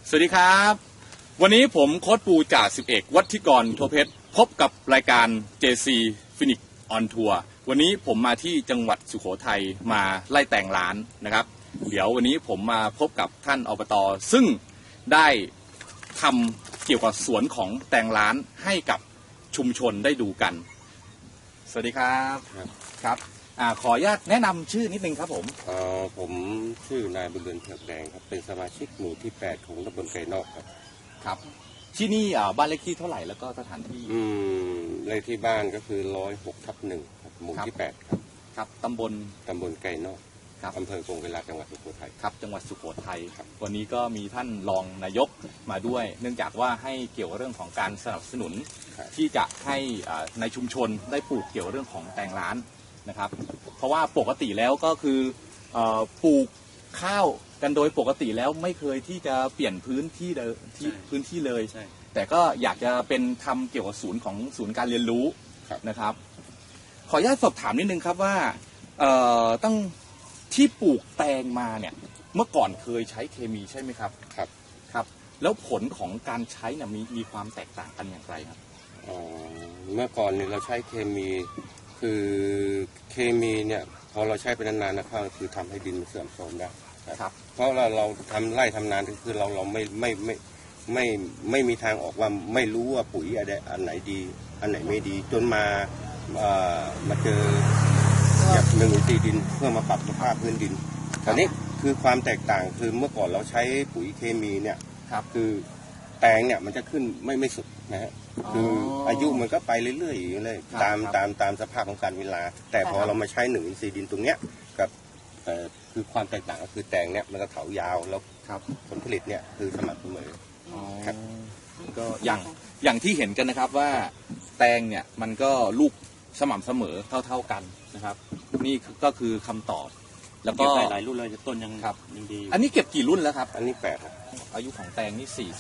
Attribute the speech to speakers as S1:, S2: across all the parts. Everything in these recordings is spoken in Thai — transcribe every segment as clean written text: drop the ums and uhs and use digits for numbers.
S1: สวัสดีครับวันนี้ผมโค้ชปูจ่าสิบเอกวัฒิกรโทเพชรพบกับรายการ JC Phoenix on Tour วันนี้ผมมาที่จังหวัดสุโขทัยมาไล่แต่งร้านนะครับเดี๋ยววันนี้ผมมาพบกับท่านอบต.ซึ่งได้ทำเกี่ยวกับสวนของแต่งร้านให้กับชุมชนได้ดูกันสวัสดีครับครับขออนุญาตแนะนำชื่อนิดนึงครับ
S2: ผมชื่อนายบุญเรือนเผือกแดงครับเป็นสมาชิกหมู่ที่8ของตำบลไก่นอกครับ
S1: ครับที่นี่บ้านเลขที่เท่าไหร่แล้วก็สถานที่
S2: เลขที่บ้านก็คือ106/1ครับหมู่ที่8ครับ
S1: ครับตำบล
S2: ไก่นอกครับอำเภอกงเวลาจังหวัดสุโขทัย
S1: ครับจังหวัดสุโขทัยครับวันนี้ก็มีท่านรองนายกมาด้วยเนื่องจากว่าให้เกี่ยวกับเรื่องของการสนับสนุนที่จะให้ในชุมชนได้ปลูกเกี่ยวกับเรื่องของแตงร้านนะครับเพราะว่าปกติแล้วก็คือปลูกข้าวกันโดยปกติแล้วไม่เคยที่จะเปลี่ยนพื้นที่เลยแต่ก็อยากจะเป็นทำเกี่ยวกับศูนย์การเรียนรู้นะครับขออนุญาตสอบถามนิดนึงครับว่าตั้งที่ปลูกแตงมาเนี่ยเมื่อก่อนเคยใช้เคมีใช่ไหมครับครับแล้วผลของการใช้เนี่ยมีความแตกต่างกันอย่างไรครับ
S2: เมื่อก่อนเนี่ยเราใช้เคมีคือเคมีเนี่ยพอเราใช้ไปนานๆนะครับคือทำให้ดินมันเสื่อมโทรมได้ครับเพราะเราทำไร่ทำนาคือเราไม่มีทางออกว่าไม่รู้ว่าปุ๋ยอันไหนดีอันไหนไม่ดีจนมาเจอแบบ1-4ดินเพื่อมาปรับสภาพพื้นดินตอนนี้คือความแตกต่างคือเมื่อก่อนเราใช้ปุ๋ยเคมีเนี่ยคือแตงเนี่ยมันจะขึ้นไม่สุดนะฮะคืออายุมันก็ไปเรื่อยๆเลยตามสภาพของการเวลาแต่พอเรามาใช้1-4ดินตรงเนี้ยกับคือความแตกต่างก็คือแตงเนี่ยมันก็เถายาวแล้วผลผลิตเนี่ยคือสม่ำเสมอครับ
S1: ก็อย่างที่เห็นกันนะครับว่าแตงเนี่ยมันก็ลูกสม่ำเสมอเท่ากันนะครับนี่ก็คือคำตอบแล้วก็
S3: หลายรุ่นเลยต้นยังดี
S1: อันนี้เก็บกี่รุ่นแล้วครับ
S2: อันนี้8ครับ
S1: อายุของแตงนี่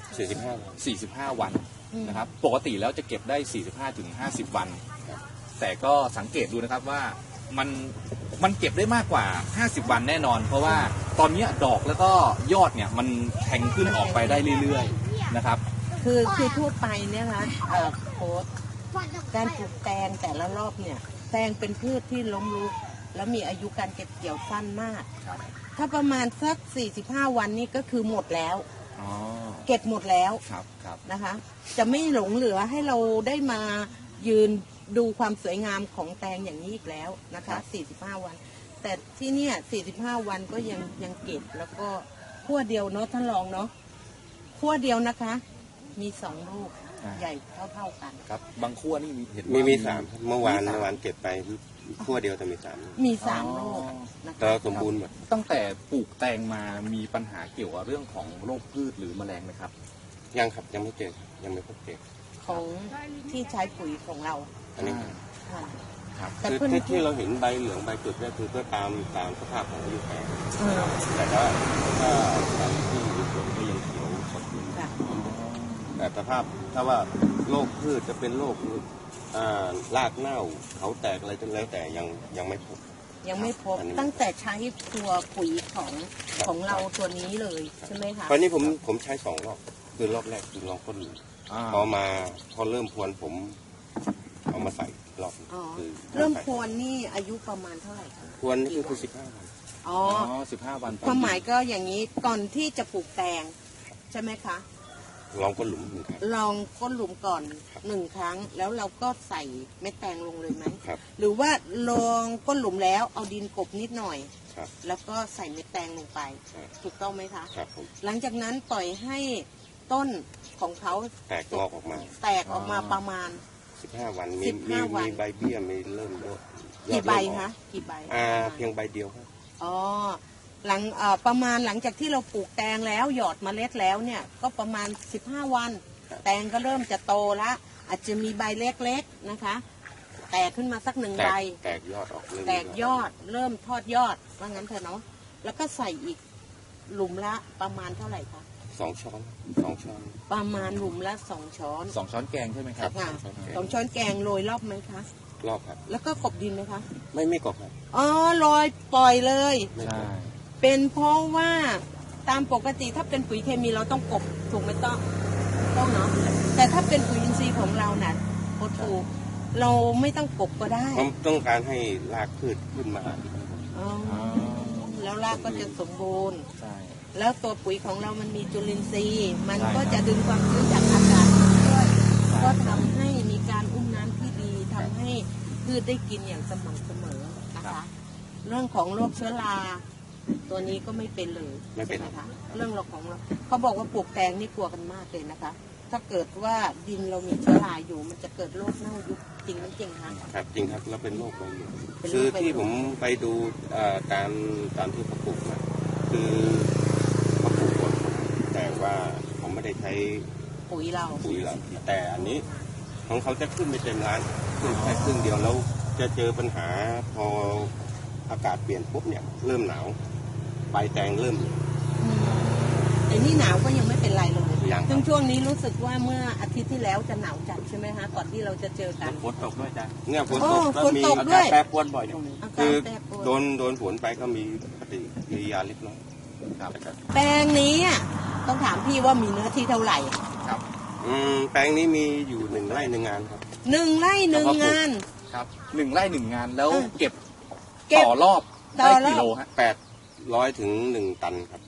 S1: 45 วันนะครับปกติแล้วจะเก็บได้45-50 วันแต่ก็สังเกตดูนะครับว่ามันเก็บได้มากกว่า50 วันแน่นอนเพราะว่าตอนนี้ดอกแล้วก็ยอดเนี่ยมันแทงขึ้นออกไปได้เรื่อยๆนะครับ
S4: คือทั่วไปเนี่ยนะโค้ชการปลูกแตงแต่ละรอบเนี่ยแตงเป็นพืชที่ล้มลุกแล้วมีอายุการเก็บเกี่ยวสั้นมากถ้าประมาณสัก45 วันนี่ก็คือหมดแล้วเก็บหมดแล้วนะคะจะไม่หลงเหลือให้เราได้มายืนดูความสวยงามของแตงอย่างนี้อีกแล้วนะคะ45 วันแต่ที่เนี่ย45 วันก็ยังเก็บแล้วก็ขั้วเดียวเนาะท่านรองเนาะขั้วเดียวนะคะมี2 ลูกใหญ่เท่ากัน
S1: ครับบางขั้วนี่เห็น
S2: มี3เมื่อวานเก็บไปขั้วเดียวแต่มี
S4: 3 ลูก
S2: แต่สมบูรณ์หมด
S1: ตั้งแต่ปลูกแตงมามีปัญหาเกี่ยวกับเรื่องของโรคพืชหรือแมลงไหมครับ
S2: ยังครับยังไม่เจอยังไม่พบเจอ
S4: ของที่ใช้ปุ๋ยของเรา
S2: อันนี้
S4: ครับ
S2: คือที่เราเห็นใบเหลืองใบจุดเนี่ยคือเพื่อตามสภาพของอายุแตงแต่ว่าถ้าที่อยู่สวนก็ยังเขียวสดอยู่แต่สภาพถ้าว่าโรคพืชจะเป็นโรครากเน่าเขาแตกอะไรจนแล้วแต่ยังไม่พบ
S4: ตั้งแต่ใช้ตัวปุ๋ยของเราตัวนี้เลยใช่ไหมคะ
S2: ตอนนี้ผมใช้2 รอบคือรอบแรกคือลองก้นหลุมพอเริ่มพรวนผมเอามาใส่รอบ
S4: คือเริ่มพรวนนี่อายุประมาณเท่าไหร่คะ
S2: พรวนนี่คือ15 วัน
S1: 15 วัน
S4: ความหมายก็อย่างนี้ก่อนที่จะปลูกแตงใช่ไหมคะ
S2: ลองก้นหลุม1 ครั้ง
S4: ลองก้นหลุมก่อน1 ครั้งแล้วเราก็ใส่เม็ดแตงลงเลยไหมหรือว่าลองก้นหลุมแล้วเอาดินกบนิดหน่อยแล้วก็ใส่เม็ดแตงลงไปถูกต้องไหมคะหลังจากนั้นปล่อยให้ต้นของเขา
S2: แตกออก
S4: มาประมาณ
S2: 15 วันมีใบเบี้ยมีเริ่มด้วย
S4: กี่ใบคะกี่ใบ
S2: เพียงใบเดียวครับ
S4: ประมาณหลังจากที่เราปลูกแตงแล้วหยอดเมล็ดแล้วเนี่ยก็ประมาณ15 วันแตงก็เริ่มจะโตละอาจจะมีใบเล็กๆนะคะแตกขึ้นมาสัก1 ใบ
S2: แตกยอดออก
S4: แตกยอดเริ่มทอดยอดว่างั้นเถอะเนาะแล้วก็ใส่อีกหลุมละประมาณเท่าไหร่คะ
S2: 2 ช้อน
S4: ประมาณหลุมละ2 ช้อน
S1: 2 ช้อนแกงใช่ไหมครับ
S4: 2 ช้อนแกงโรยรอบไหมคะ
S2: รอบครับ
S4: แล้วก็กบดินไหมคะ
S2: ไม่กบครับ
S4: โรยปล่อยเลย
S1: ใช่
S4: เป็นเพราะว่าตามปกติถ้าเป็นปุ๋ยเคมีเราต้องกบถูกไหมต้องเนาะแต่ถ้าเป็นปุ๋ยอินทรีย์ของเราน่ะโคตรถูกเราไม่ต้องกบก็ได้
S2: ผมต้องการให้รากพืชขึ้นมา
S4: อ๋อแล้วรากก็จะสมบูรณ์
S1: ใช่
S4: แล้วตัวปุ๋ยของเรามันมีจุลินทรีย์ มัน
S1: ใช่
S4: ก็
S1: ครับ
S4: จะดึงความชื้นจากอากาศมาด้วย
S1: ใช่
S4: ก็ทำให้มีการอุ้มน้ำที่ดีทำให้พืชได้กินอย่างสม่ำเสมอนะคะ เรื่องของโรคเชื้อราตัวนี้ก็ไม่เป็นเลย
S2: ไม่เป็น
S4: ใช่หคะเรื่องเราของเราเขาบอกว่าปลูกแตงนี่กลัวกันมากเลยนะคะ ถ้าเกิดว่าดินเรามีเชื้อราอยู่มันจะเกิดโรคเน่ายุบจริงไหมจริงคะ
S2: ครับจริงครับแล้วเป็นโรคใบเหลือง
S4: เป็นโรค
S2: คือ
S4: ใบเหลือง
S2: ที่ผมไปดูตามที่เขาปลูกมาคือเขาปลูกหมดแต่ว่าผมไม่ได้ใช้
S4: ปุ๋ยเรา
S2: ปุ๋ยหรอกแต่อันนี้ของเขาจะขึ้นไปเต็มร้านขึ้นแค่ครึ่งเดียวแล้วจะเจอปัญหาพออากาศเปลี่ยนปุ๊บเนี่ยเริ่มหนาวใบแตงเริ่ม
S4: ไอ้นี่หนาวก็ยังไม่เป็นไรเลย
S2: ยังครับ
S4: ซึ่งช่วงนี้รู้สึกว่าเมื่ออาทิตย์ที่แล้วจะหนาวจัดใช่ไหมคะก่อนที่เราจะเจอกัน
S3: ฝนตกด้วยจ้ะ
S2: เนี่ยฝน
S4: โอ้
S2: ตกแล้ว
S4: ฝน
S2: มี
S4: ตก
S3: อา
S4: ด้
S3: กา
S4: วย
S3: ศแปรปรวนบ่อยช่วงนี้
S4: อา
S2: คื
S4: กาศ
S2: อ
S4: แปรปรวน
S2: โดนฝนไปก็มีปฏิกิริยาเล็กน้อย
S1: ครับ
S4: แปลงนี้อะต้องถามพี่ว่ามีเนื้อที่เท่าไหร่
S1: ครับ
S2: แปลงนี้มีอยู่1 ไร่ 1 งานครับ
S4: 1 ไร่ 1 งาน
S1: ครับ1 ไร่ 1 งานแล้ว
S4: อ่ะ
S1: เก็บ
S4: เก็บ
S1: ต่อรอบ
S4: ต่อ
S1: ได้
S4: รอบ
S1: กี่โลฮะ
S2: 800 ถึง 1 ตันครับ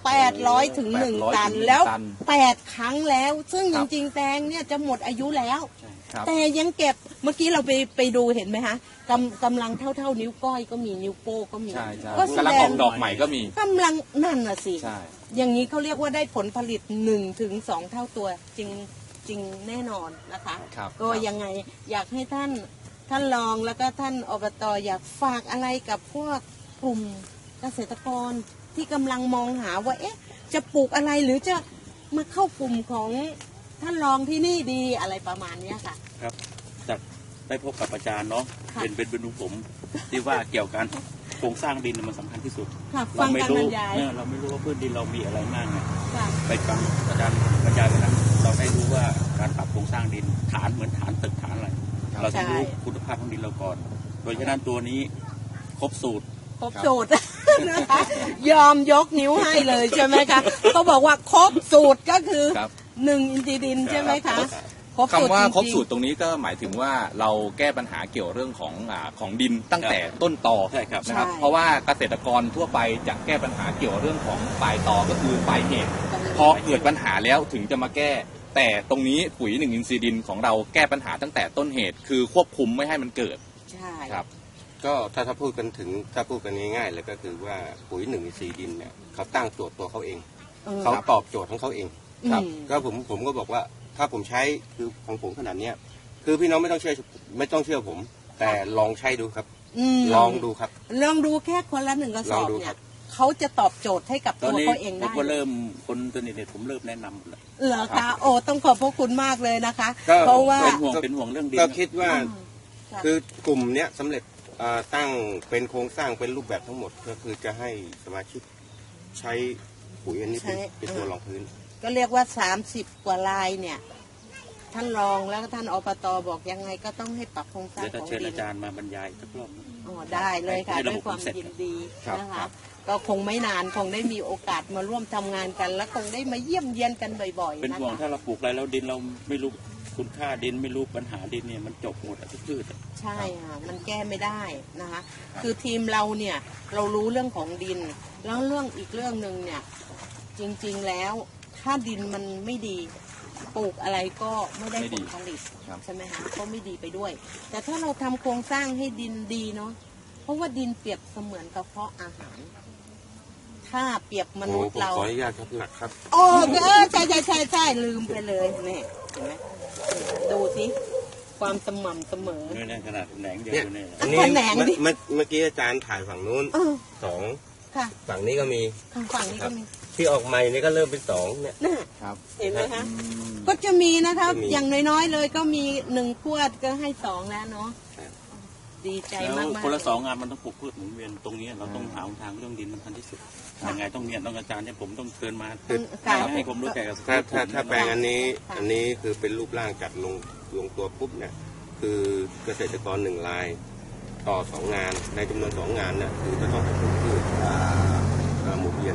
S4: 800 ถึง 1 ตัน
S1: 800
S4: แล้ว
S1: ตัน
S4: 8 ครั้งแล้ว ซึ่ง
S1: ค
S4: จ
S1: รับ
S4: ริงๆแตงเนี่ยจะหมดอายุแล้ว
S1: ครับ
S4: แต่ยังเก็บเมื่อกี้เราไปดูเห็นไหมคะกำลังเท่านิ้วก้อยก็มีนิ้วโป้ก็มี
S1: ใช่ใช่
S4: ก็แส
S1: กำลัง
S4: ด
S1: อง อกดอกใหม่ก็มี
S4: กำลังนั่นน่ะสิ
S1: ใช่
S4: อย่างนี้เขาเรียกว่าได้ผลผลิต1 ถึง 2 เท่าตัวจริงแน่นอนนะคะ
S1: ครับ
S4: ก็ยังไงอยากให้ท่านรองแล้วก็ท่านอบตอยากฝากอะไรกับพวกกลุ่มเกษตรกรที่กำลังมองหาว่าเอ๊ะจะปลูกอะไรหรือจะมาเข้ากลุ่มของท่านรองที่นี่ดีอะไรประมาณเนี้ยค่ะ
S3: ครับจากได้พบกับอาจารย์เนาะ
S4: ค่ะ
S3: เป็นดูผมที่ว่าเกี่ยวกับโครงสร้างดินมันสำคัญที่สุด
S4: ค่ะ
S3: เรา
S4: ฟัง
S3: ไม่
S4: การ
S3: รู้
S4: บรรยาย
S3: เราไม่รู้ว่าพื้นดินเรามีอะไรมากไง
S4: ค่ะ
S3: ไปฟังอาจารย์บรรยายวันนั้นเราได้รู้ว่าการปรับโครงสร้างดินฐานเหมือนฐานตึกฐานอะไร
S1: ครับ
S3: เราต้องรู้คุณภาพของดินเราก่อน โดยฉะนั้นตัวนี้ครบสูตร
S4: ครบสูตร นะคะยอมยกนิ้วให้เลยใช่ไหมคะเขาบอกว่าครบสูตรก็คือ
S1: ครับ
S4: 1 อินทรีย์ดินใช่ไหมคะครบสูตร
S1: คำว่าครบ
S4: จงๆ
S1: สูตรตรงนี้ก็หมายถึงว่าเราแก้ปัญหาเกี่ยวเรื่องของดินตั้งแต่ต้นตอ
S3: ใช่ครับ
S1: นะครับ
S4: ใช่
S1: เพราะว่าเกษตรกรทั่วไปจะแก้ปัญหาเกี่ยวเรื่องของปลายตอก็คือปลายเหตุพอเกิดปัญหาแล้วถึงจะมาแก้ แต่ตรงนี้ปุ๋ย1 อินทรีย์ดินของเราแก้ปัญหาตั้งแต่ต้นเหตุ คือควบคุมไม่ให้มันเกิด
S4: ใช่
S1: ครับ
S2: ก็ถ้าพูดกันง่ายๆเลยก็คือว่าปุ๋ย1 อินทรีย์ดินเนี่ยเขาตั้งโจทย์ตัวเขาเอง เขาตอบโจทย์ของเขาเอง
S1: ครับ
S2: ก็ผมก็บอกว่าถ้าผมใช้คือของผมขนาดเนี้ยคือพี่น้องไม่ต้องเชื่อผม แต่ลองใช้ดูครับ ลองดูครับ
S4: ลองดูแค่คนละ1 กระสอบ
S2: ลองดู
S4: เนี่
S2: ครั
S4: ย
S2: บ
S4: เขาจะตอบโจทย์ให้กับ
S3: ตอน
S4: ตัว
S3: นี้
S4: เขาเอง
S3: ผม
S4: ได้
S3: ก็เริ่มคนตัวนี้ผมเริ่มแนะนำหมดแล้ว
S4: เหรอคะโอ้ต้องขอบพระคุณมากเลยนะคะ
S2: ก็
S4: เพราะว่า
S3: เป็นห่วงเรื่องดิน
S2: ก็คิดว่า
S4: ค่ะ
S2: คือกลุ่มเนี้ยสำเร็จตั้งเป็นโครงสร้างเป็นรูปแบบทั้งหมดก็คือจะให้สมาชิกใช้ปุ๋ยอันนี้เป็นตัวรองพื้น
S4: ก็เรียกว่า30 กว่าลายเนี่ย ท่านรองแล้วก็ท่านอบตบอกยังไงก็ต้องให้ปรับโครงสร้าง
S3: เดี๋ยว
S4: ของ
S3: จะเชิญ
S4: ดิ
S3: อาน จารย์มาบรรยายสักรอบ
S4: อ๋อได้เลยค่ะ
S3: ให้ระ
S4: ด้
S3: บบ
S4: วยความ
S3: เสร็จ
S4: ยินดี
S1: ครับ
S4: นะ
S1: ครั
S4: คะ
S1: บ
S4: ก็คงไม่นานคงได้มีโอกาสมาร่วมทำงานกัน และคงได้มาเยี่ยมเยียนกันบ่อยๆ
S3: เป็น
S4: นะ
S3: ห่วง
S4: คะ
S3: ถ้าเราปลูกอะไรแล้วดินเราไม่รู้คุณค่าดินไม่รู้ปัญหาดินเนี่ยมันจบหมดทุกพืช
S4: ใช่ค่ะมันแก้ไม่ได้นะคะ คือทีมเราเนี่ยเรารู้เรื่องของดิน แล้วเรื่องอีกเรื่องหนึ่งเนี่ยจริงๆแล้วถ้าดินมันไม่ดีปลูกอะไรก็ไม่ได้
S1: ไม่
S4: ผ
S1: ดี
S4: ลผลิต
S1: ครับ
S4: ใช่ไหมคะก็ไม่ดีไปด้วย แต่ถ้าเราทำโครงสร้างให้ดินดีเนาะเพราะว่าดินเปรียบเสมือนกระเพาะอาหาร ถ้าเปรียบม
S2: โอ้
S4: นุษย์
S2: ผม
S4: เรา
S2: ขออนุญาตครับหนักครับ
S4: โอ้ใช่ลืมไปเลยนี่เห็นไหมดูสิความสม่ำเสมอ
S3: ด้วยเนี่ยขนาดแหนงเดียว
S2: เนี่ย
S3: เนี่ย
S2: อันนี้
S4: แขนงดิ
S2: เมื่อกี้อาจารย์ถ่ายฝั่งนู้น
S4: เออ
S2: 2
S4: ค่ะ
S2: ฝั่งนี้ก็มี
S4: ทางฝั่งนี้ก็มี
S2: ที่ออกใหม่นี่ก็เริ่มเป็น2เนี่ย
S4: น่ะ
S1: ครับ
S4: เห็นไหมคะ
S1: อืม
S4: ก็จะมีนะคะ
S2: จะมี
S4: อย่างน้อยๆเลยก็มี1 ขวดก็ให้2แล้วเนาะ
S2: ครับ
S4: ดีใจ
S3: แล้ว
S4: มากๆ
S3: คนละ2 งานมันต้องปลูกพืชหมุนเวียนตรงนี้เราต้องหาทางเรื่องดินมันทันที่สุด
S4: ค่ะ
S3: ยังไงต้องเนี่ยต้องอาจารย์เนี่ยผมต้องเชิญมา
S4: ค่ะ
S3: ให้ผมรู้แก่กับ
S2: ถ้าแปลงอันนี้
S4: ค่ะ
S2: อันนี้คือเป็นรูปร่างจัดลงตัวปุ๊บเนี่ยคือเกษตรกร1 รายต่อ 2 งานในจำนวน 2 งานเนี่ยคือจะต้องให้ปลูกพืชหมุนเวียน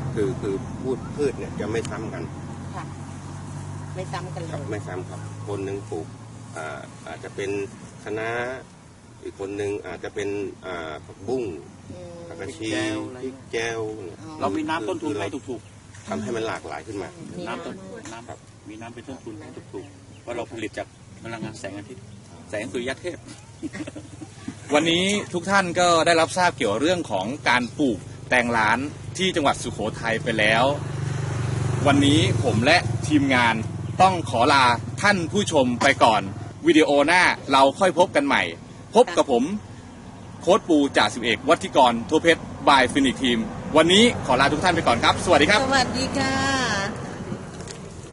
S2: คือพืชเนี่ยจะไม่ซ้ำกัน
S4: ค่ะ ไม่ซ้ำกันเล
S2: ครับ
S4: ย
S2: ไม่ซ้ำครับคนหนึ่งปลูกอาจจะเป็นคะน้าอีกคนหนึ่งอาจจะเป็นผักบุ้ง
S4: อืม
S2: ผักกระชี
S3: แจวอะไร
S2: พริกแก้วนี่ย
S4: อ๋อ
S3: เรามีน้ำต้นทุนให้
S2: คือ
S3: ถูก
S2: ทำให้มันหลากหลายขึ้นมา
S3: ๆน้ำต้นน้ำแบบมีน้ำเป็นต้นทุนให้ถูกๆเพราะเราผลิตจากพลังงานแสงอาทิตย์แสงสุริยเทพ
S1: วันนี้ทุกท่านก็ได้รับทราบเกี่ยวเรื่องของการปลูกแตงร้านที่จังหวัดสุโขทัยไปแล้ว วันนี้ผมและทีมงานต้องขอลาท่านผู้ชมไปก่อน วิดีโอหน้าเราค่อยพบกันใหม่ พบกับผมโค้ชปูจ่าสิบเอกวัฒิกรทั่วเพชรบายฟินิกทีมวันนี้ขอลาทุกท่านไปก่อนครับ สวัสดีครับ
S4: สวัสดีค่ะ